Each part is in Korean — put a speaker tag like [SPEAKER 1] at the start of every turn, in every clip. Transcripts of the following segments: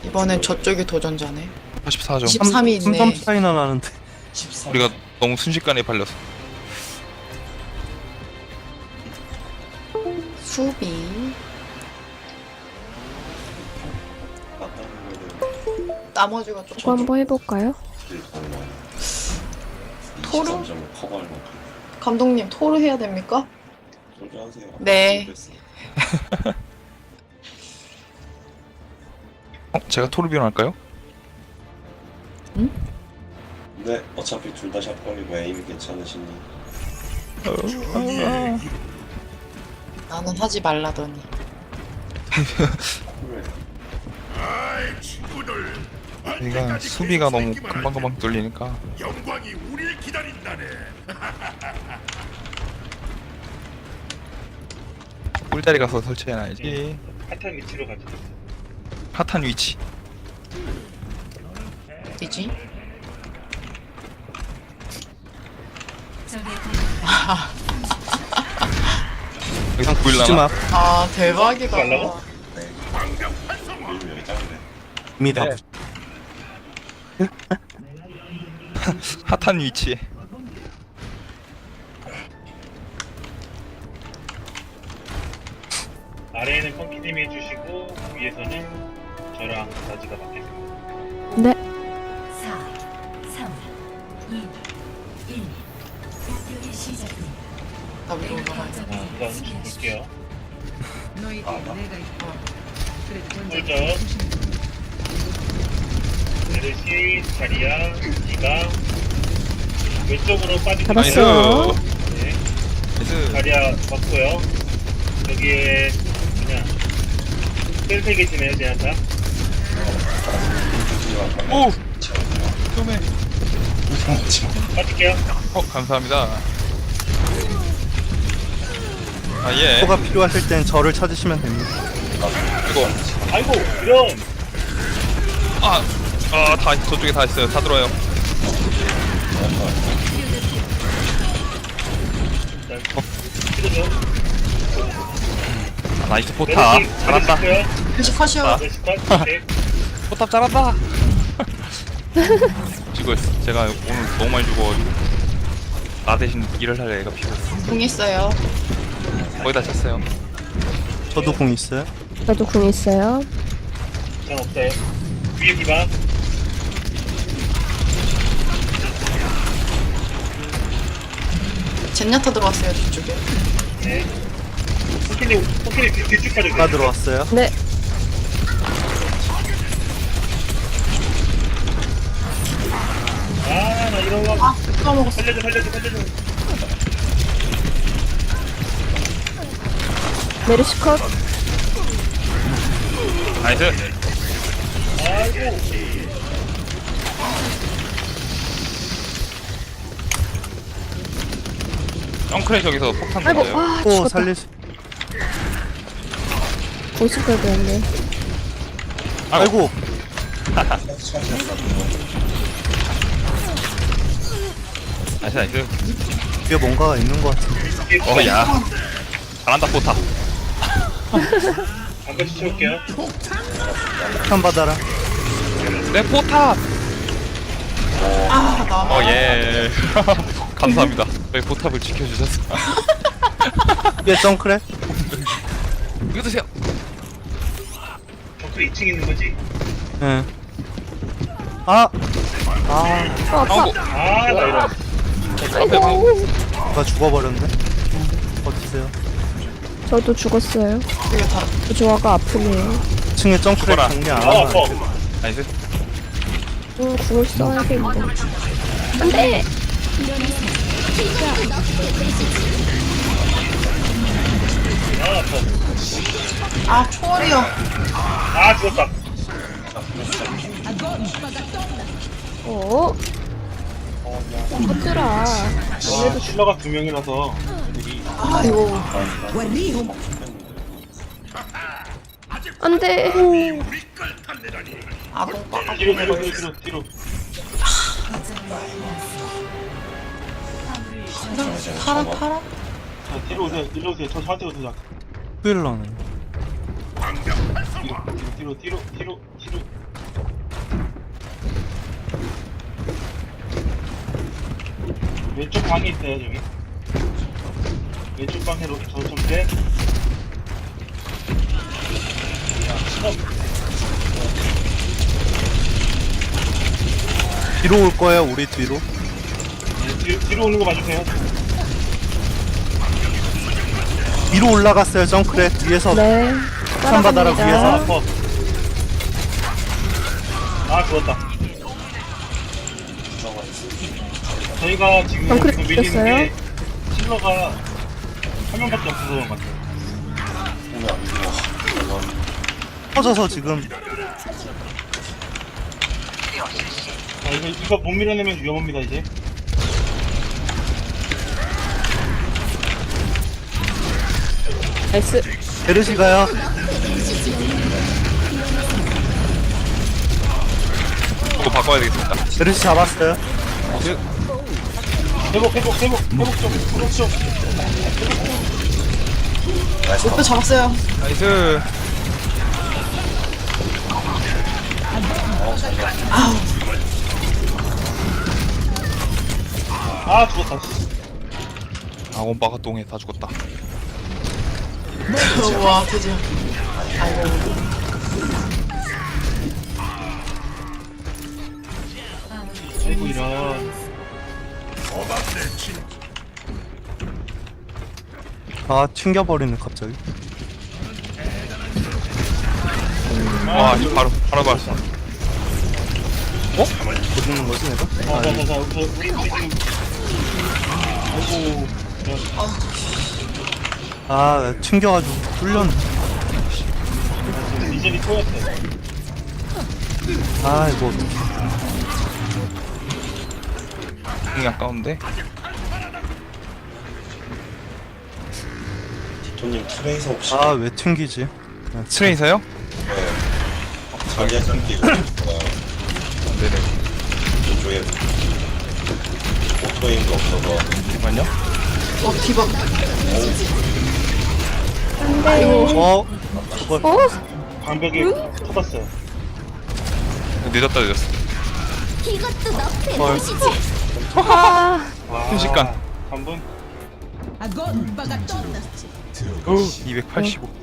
[SPEAKER 1] 이번엔 저쪽이 도전자네.
[SPEAKER 2] 44점.
[SPEAKER 1] 13이 있네.
[SPEAKER 3] 3점 차이나 나는데.
[SPEAKER 2] 우리가 너무 순식간에 발렸어.
[SPEAKER 1] 수비. 나머지가
[SPEAKER 4] 저거
[SPEAKER 1] 좀
[SPEAKER 4] 한번 해볼까요?
[SPEAKER 1] 토르? 감독님 토르 해야 됩니까? 네.
[SPEAKER 2] 제가 토르비온 할까요?
[SPEAKER 5] 네, 어차피 둘 다 샷건이고 에임이 괜찮으시니.
[SPEAKER 1] 나는 하지 말라더니.
[SPEAKER 2] 우리가 수비가 너무 금방금방 뚫리니까.
[SPEAKER 6] 영광이 우리를 기다린다네.
[SPEAKER 2] 꿀자리 가서 설치해놔야지.
[SPEAKER 7] 핫한 위치로 가죠.
[SPEAKER 2] 핫한 위치.
[SPEAKER 1] 어디지?
[SPEAKER 2] 여기서
[SPEAKER 3] 쓰지
[SPEAKER 2] 보일라나?
[SPEAKER 3] 마.
[SPEAKER 1] 아 대박이다.
[SPEAKER 7] 말라고?
[SPEAKER 5] 밀면 여기 짱이네.
[SPEAKER 3] 이미 다.
[SPEAKER 2] 네. 핫한 위치에.
[SPEAKER 7] 아래에는 펑키님이 해주시고 위에서는 저랑 나지가 맡겠습니다.
[SPEAKER 4] 네.
[SPEAKER 8] 4, 3, 2, 1. 공격이 시작됩니다.
[SPEAKER 1] 나 위로 올라가야 돼.
[SPEAKER 7] 우선 볼게요. 꿀점 메르시, 자리야, 디가 왼쪽으로 빠지고
[SPEAKER 2] 나이스.
[SPEAKER 4] 잡았어요.
[SPEAKER 7] 네,
[SPEAKER 2] 나이스.
[SPEAKER 7] 자리야 맞고요. 여기에 그냥 셀세 계시네요, 제한타.
[SPEAKER 2] 오! 좀해.
[SPEAKER 7] 빠질게요.
[SPEAKER 2] 감사합니다. 아, 예.
[SPEAKER 3] 뭐가 필요하실 땐 저를 찾으시면 됩니다.
[SPEAKER 2] 이거.
[SPEAKER 7] 아이고, 이런.
[SPEAKER 2] 다, 저쪽에 다 있어요. 다 들어와요.
[SPEAKER 7] 치료죠.
[SPEAKER 2] 나이스 포탑. 잘한다.
[SPEAKER 1] 다시 컷이요.
[SPEAKER 7] 메르시 컷. 네.
[SPEAKER 2] 포탑 잘한다. 지고 있어. 제가 오늘 너무 많이 죽어가지고. 나 대신 일을 할 애가 필요했어.
[SPEAKER 1] 공 있어요.
[SPEAKER 2] 거의 다 찼어요.
[SPEAKER 3] 저도 공 있어요.
[SPEAKER 4] 저도 궁 있어요.
[SPEAKER 7] 전 없어요. 위에 디바.
[SPEAKER 1] 젠야타 들어왔어요 뒤쪽에.
[SPEAKER 7] 네. 포키님 뒤쪽
[SPEAKER 3] 다
[SPEAKER 7] 빠져주세요.
[SPEAKER 3] 들어왔어요.
[SPEAKER 4] 네.
[SPEAKER 7] 아, 나 이런 거.
[SPEAKER 1] 까먹었어.
[SPEAKER 7] 살려줘.
[SPEAKER 4] 메르시 컷.
[SPEAKER 2] 나이스.
[SPEAKER 7] 아이고.
[SPEAKER 2] 덩크레 저기서 폭탄
[SPEAKER 4] 아이고,
[SPEAKER 2] 던져요.
[SPEAKER 4] 와,
[SPEAKER 3] 오
[SPEAKER 4] 죽었다.
[SPEAKER 3] 살릴 수.
[SPEAKER 4] 공식까지 했네.
[SPEAKER 3] 아이고.
[SPEAKER 2] 나이스.
[SPEAKER 3] 뒤에 뭔가가 있는 것 같아.
[SPEAKER 2] 야. 잘한다, 포탑.
[SPEAKER 7] 잠깐 시켜볼게요.
[SPEAKER 3] 폭탄 받아라.
[SPEAKER 2] 내 포탑!
[SPEAKER 1] 아 나.
[SPEAKER 2] 예. 감사합니다. 왜 포탑을 지켜주셨어.
[SPEAKER 3] 뒤에 정크랩.
[SPEAKER 2] 이거 드세요.
[SPEAKER 7] 정크 2층 있는 거지?
[SPEAKER 3] 예. 아.
[SPEAKER 4] 아파.
[SPEAKER 2] 아이고.
[SPEAKER 7] 아, 나 이런.
[SPEAKER 4] 아이고.
[SPEAKER 3] 나 죽어버렸네. 어디세요?
[SPEAKER 4] 저도 죽었어요.
[SPEAKER 1] 이게 다.
[SPEAKER 4] 조화가 아프네요.
[SPEAKER 3] 2층에 정크랩
[SPEAKER 2] 죽어라.
[SPEAKER 3] 정리 안
[SPEAKER 7] 아,
[SPEAKER 3] 하나.
[SPEAKER 7] 아파.
[SPEAKER 2] 나이스.
[SPEAKER 4] 궁을 써야겠는데. 안 돼!
[SPEAKER 7] 아, 아파.
[SPEAKER 1] 아 초월이요.
[SPEAKER 7] 아, 죽었다.
[SPEAKER 4] 어? 터뜨라.
[SPEAKER 7] 아, 킬러가 2명이라서 애들이.
[SPEAKER 1] 아이고.
[SPEAKER 4] 안 돼!
[SPEAKER 1] 아동빠.
[SPEAKER 7] 뒤로.
[SPEAKER 1] 파라.
[SPEAKER 7] 자, 뒤로 오세요. 저 저한테 오세요.
[SPEAKER 3] 후일러네.
[SPEAKER 7] 뒤로. 왼쪽 방에 있어요 저기. 왼쪽 방에 저 정대.
[SPEAKER 3] 뒤로 올 거예요, 우리 뒤로.
[SPEAKER 7] 네, 뒤로 오는 거 봐주세요.
[SPEAKER 3] 위로 올라갔어요, 정크레. 위에서.
[SPEAKER 4] 네.
[SPEAKER 3] 산바다락
[SPEAKER 4] 따라갑니다.
[SPEAKER 3] 위에서.
[SPEAKER 7] 아 죽었다. 저희가 지금
[SPEAKER 4] 덩크리
[SPEAKER 7] 그 밀리는
[SPEAKER 4] 됐어요?
[SPEAKER 7] 게 킬러가 한 명밖에 없어서 그런 것 같아요.
[SPEAKER 5] 오늘 안 죽어.
[SPEAKER 3] 터져서 지금.
[SPEAKER 7] 자, 이거 못 밀어내면 위험합니다 이제.
[SPEAKER 4] 나이스.
[SPEAKER 3] 베르시가요.
[SPEAKER 2] 이거 바꿔야 되겠습니다.
[SPEAKER 3] 베르시 잡았어요.
[SPEAKER 7] 회복 좀.
[SPEAKER 1] 목표 잡았어요.
[SPEAKER 2] 나이스.
[SPEAKER 7] 아 죽었다.
[SPEAKER 2] 아, 원바가 똥에 다 죽었다.
[SPEAKER 1] 와 드디어.
[SPEAKER 7] 아이고 이런.
[SPEAKER 3] 아, 튕겨버리네, 갑자기.
[SPEAKER 2] 와, 이거 바로 봤어.
[SPEAKER 3] 못 죽는 거지, 내가?
[SPEAKER 7] 자자자 우리 지금. 아이고 이런.
[SPEAKER 3] 아, 튕겨가지고 뚫렸네.
[SPEAKER 7] 리젤이 토였어요.
[SPEAKER 3] 아, 이거 어떡해.
[SPEAKER 2] 공이 아까운데.
[SPEAKER 5] 디토님 트레이서 혹시
[SPEAKER 3] 아, 왜 튕기지?
[SPEAKER 2] 트레이서요?
[SPEAKER 5] 자기가 끊기고
[SPEAKER 2] 네네.
[SPEAKER 5] 이쪽에 오토에임도 없어서
[SPEAKER 2] 잠깐만요.
[SPEAKER 1] 디바.
[SPEAKER 3] 어? 그걸.
[SPEAKER 4] 어?
[SPEAKER 7] 방벽에 터졌어요.
[SPEAKER 2] 늦었다.
[SPEAKER 3] 헐.
[SPEAKER 4] 아,
[SPEAKER 7] 와.
[SPEAKER 2] 순식간.
[SPEAKER 7] 한 분.
[SPEAKER 2] 285.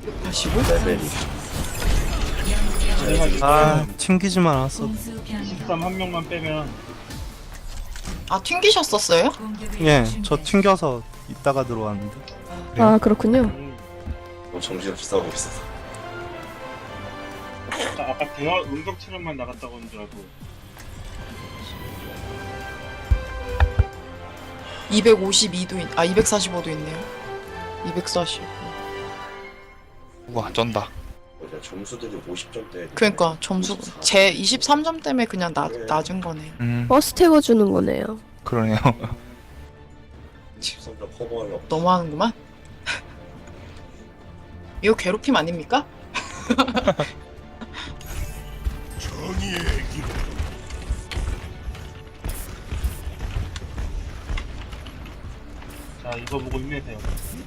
[SPEAKER 3] 아, 튕기지만 않았어.
[SPEAKER 8] 공수 변경
[SPEAKER 7] 13 한 명만 빼면
[SPEAKER 1] 아 튕기셨었어요?
[SPEAKER 3] 예, 저 튕겨서 이따가 들어왔는데.
[SPEAKER 4] 아 그렇군요.
[SPEAKER 5] 뭐 정신없이 싸우고 있어서
[SPEAKER 7] 아까 대화 음성 촬영만 나갔다고 하는 줄 알고.
[SPEAKER 1] 252도 245도 있네요. 240.
[SPEAKER 2] 우와, 쩐다.
[SPEAKER 5] 그냥 점수들이 50점대
[SPEAKER 1] 그러니까 점수 제 23점 때문에 그냥 낮은 거네요.
[SPEAKER 4] 버스 태워주는 거네요.
[SPEAKER 2] 그러네요.
[SPEAKER 5] 13점 커버하려고
[SPEAKER 1] 너무하는구만. 이거 괴롭힘 아닙니까?
[SPEAKER 6] 정의의 이름
[SPEAKER 7] 자 이거 보고 힘내세요.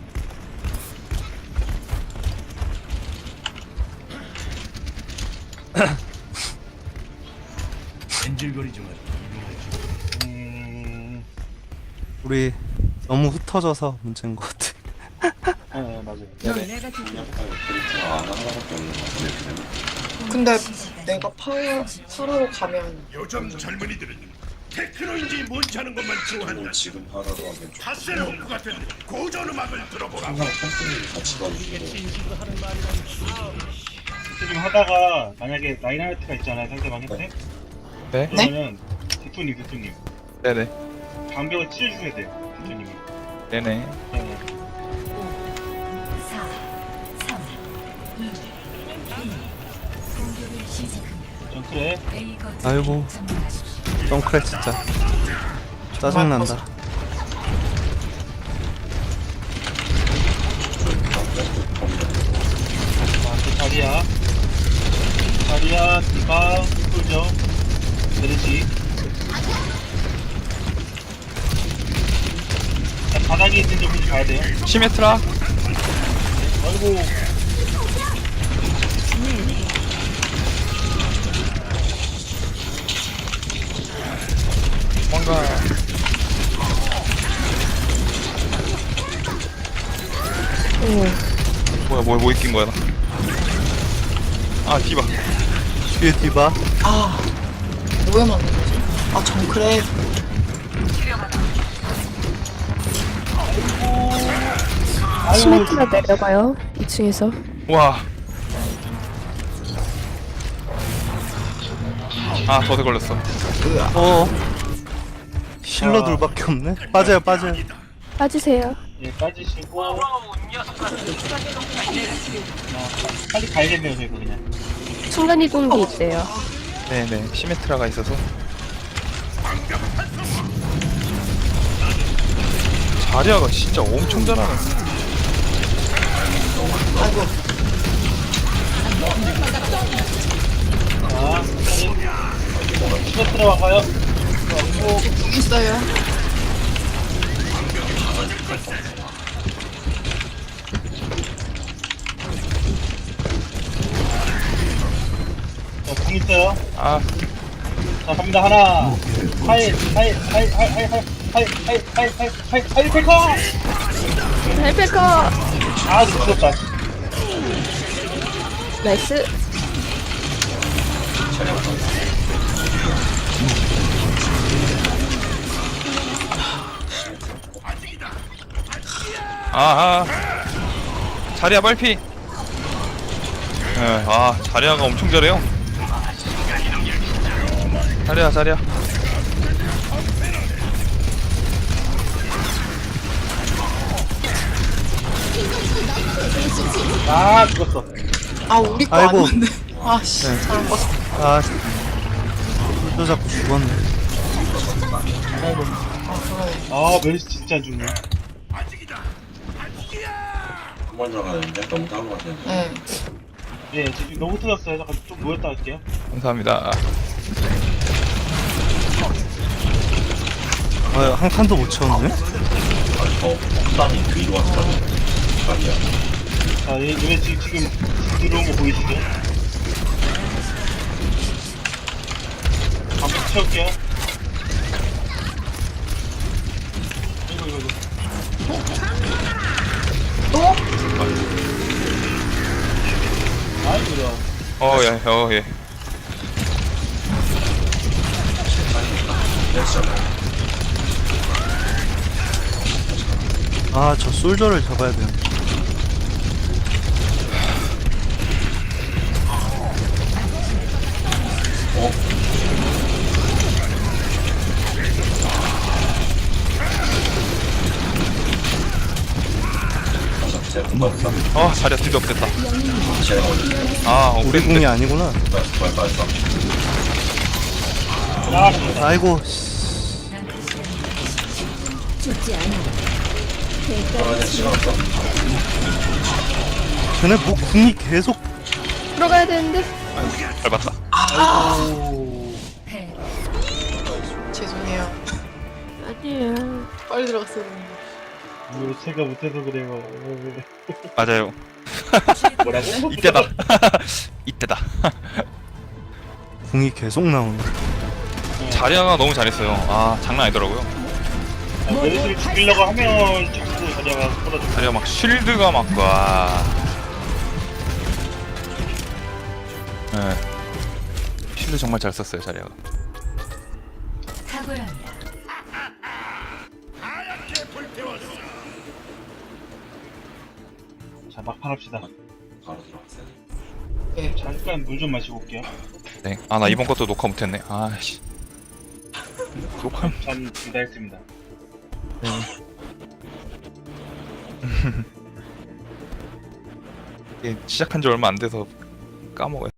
[SPEAKER 6] 엔질거리지 마.
[SPEAKER 3] 우리 너무 흩어져서 문제인 것 같아.
[SPEAKER 7] 네 맞아요.
[SPEAKER 5] 약간 그리트가 안 하나밖에 없는 것 같은데
[SPEAKER 1] 근데 내가 파라로 가면
[SPEAKER 6] 요즘 젊은이들은 테크노인지 뭔지 하는 것만 좋아한다.
[SPEAKER 5] 그리고 지금 하나로 하면 좀
[SPEAKER 6] 파세로프 같은 고전 음악을 들어보라.
[SPEAKER 5] 항상 컴플레인 같이 가지고
[SPEAKER 7] 지금 하다가 만약에 라인하르트가 있잖아요 상대방 한테.
[SPEAKER 2] 네?
[SPEAKER 7] 그러면은 대통님
[SPEAKER 2] 네네.
[SPEAKER 7] 방벽을 찢어주셔야 돼요 대통님이.
[SPEAKER 2] 네네.
[SPEAKER 7] 네.
[SPEAKER 8] 4 3 2 1 공격을 시작합니다.
[SPEAKER 7] 전 그래.
[SPEAKER 8] A 거점을
[SPEAKER 3] 아이고.
[SPEAKER 8] 점령하십시오.
[SPEAKER 3] 정크레 진짜. 짜증난다.
[SPEAKER 7] 자리야 디바 꿀죠. 베르시. 자, 바닥에 있는 점 보지 가야 돼요.
[SPEAKER 2] 시메트라.
[SPEAKER 7] 아이고.
[SPEAKER 2] 뭔가 뛴 거야 나. 아 디바.
[SPEAKER 3] 뒤에 디바.
[SPEAKER 1] 아 뭐에 맞는 거지? 아 정크랩.
[SPEAKER 4] 시메트라 내려가요. 2층에서.
[SPEAKER 2] 와. 아 덫에 걸렸어.
[SPEAKER 3] 힐러 둘밖에 없네. 빠져요, 빠져요.
[SPEAKER 4] 빠지세요.
[SPEAKER 7] 예, 빠지시고. 빨리 가야겠네요, 저희 그냥.
[SPEAKER 4] 순간이동기 있대요.
[SPEAKER 2] 네네 시메트라가 있어서. 자리아가 진짜 엄청 잘하네.
[SPEAKER 1] 아이고
[SPEAKER 7] 자, 시메 들어가요.
[SPEAKER 1] 궁 있어요.
[SPEAKER 7] 궁 있어요.
[SPEAKER 2] 아
[SPEAKER 7] 자, 갑니다. 하나. 하이 페커!
[SPEAKER 4] 헬페커!
[SPEAKER 7] 아, 죽었다.
[SPEAKER 4] 나이스.
[SPEAKER 2] 아아 자리아 빨피. 아 자리아가 엄청 잘해요. 자리아.
[SPEAKER 7] 아, 죽었어.
[SPEAKER 1] 아 우리 거
[SPEAKER 3] 아이고.
[SPEAKER 1] 아닌데. 아씨 잘못 봤어.
[SPEAKER 3] 아, 또 자꾸 죽었네.
[SPEAKER 1] 아 그러네.
[SPEAKER 7] 아, 멜시 진짜 안 죽네.
[SPEAKER 5] 한번 들어가는데 너무 따로 가시는데.
[SPEAKER 1] 네.
[SPEAKER 7] 예, 지금 너무 터졌어요. 잠깐 좀 모였다 갈게요.
[SPEAKER 2] 감사합니다.
[SPEAKER 3] 한 칸도 못 채웠네.
[SPEAKER 5] 저 폭탄이 위로 왔다는 아니야.
[SPEAKER 7] 자, 얘 지금 들어온 거 보이시죠? 한번 채울게요. 이거.
[SPEAKER 1] 또?
[SPEAKER 7] 아이고야.
[SPEAKER 2] 예.
[SPEAKER 3] 아, 저 솔저를 잡아야 돼요.
[SPEAKER 5] 제가 금방 다
[SPEAKER 2] 자리아 드디어 됐다.
[SPEAKER 5] 제가 올렸어요.
[SPEAKER 2] 아
[SPEAKER 3] 우리 궁이 아니구나.
[SPEAKER 5] 빨리.
[SPEAKER 3] 아이고,
[SPEAKER 5] 시간 없어.
[SPEAKER 3] 쟤네 뭐 궁이 계속.
[SPEAKER 4] 들어가야 되는데.
[SPEAKER 2] 밟았다.
[SPEAKER 1] 죄송해요.
[SPEAKER 4] 아니에요.
[SPEAKER 1] 빨리 들어갔어야 되는데.
[SPEAKER 7] 이거 제가 못해서 그래요.
[SPEAKER 2] 맞아요.
[SPEAKER 7] 뭐라고?
[SPEAKER 2] 이때다. 이때다.
[SPEAKER 3] 궁이 계속 나오네.
[SPEAKER 2] 자리아가 너무 잘했어요. 아 장난 아니더라고요.
[SPEAKER 7] 멜시를 죽이려고 하면 자꾸 자리아가 쏟아져.
[SPEAKER 2] 자리아 막 쉴드가 막 와. 네. 쉴드 정말 잘 썼어요 자리아가.
[SPEAKER 8] 탁월합니다.
[SPEAKER 7] 자, 막판 합시다.
[SPEAKER 5] 바로 들어갔어요.
[SPEAKER 1] 네.
[SPEAKER 7] 잠깐 물 좀 마시고 올게요.
[SPEAKER 2] 네. 아 나 이번 것도 녹화 못했네. 아씨. 녹화.
[SPEAKER 7] 전 둘 다 했습니다.
[SPEAKER 2] 이게 시작한 지 얼마 안 돼서 까먹어요.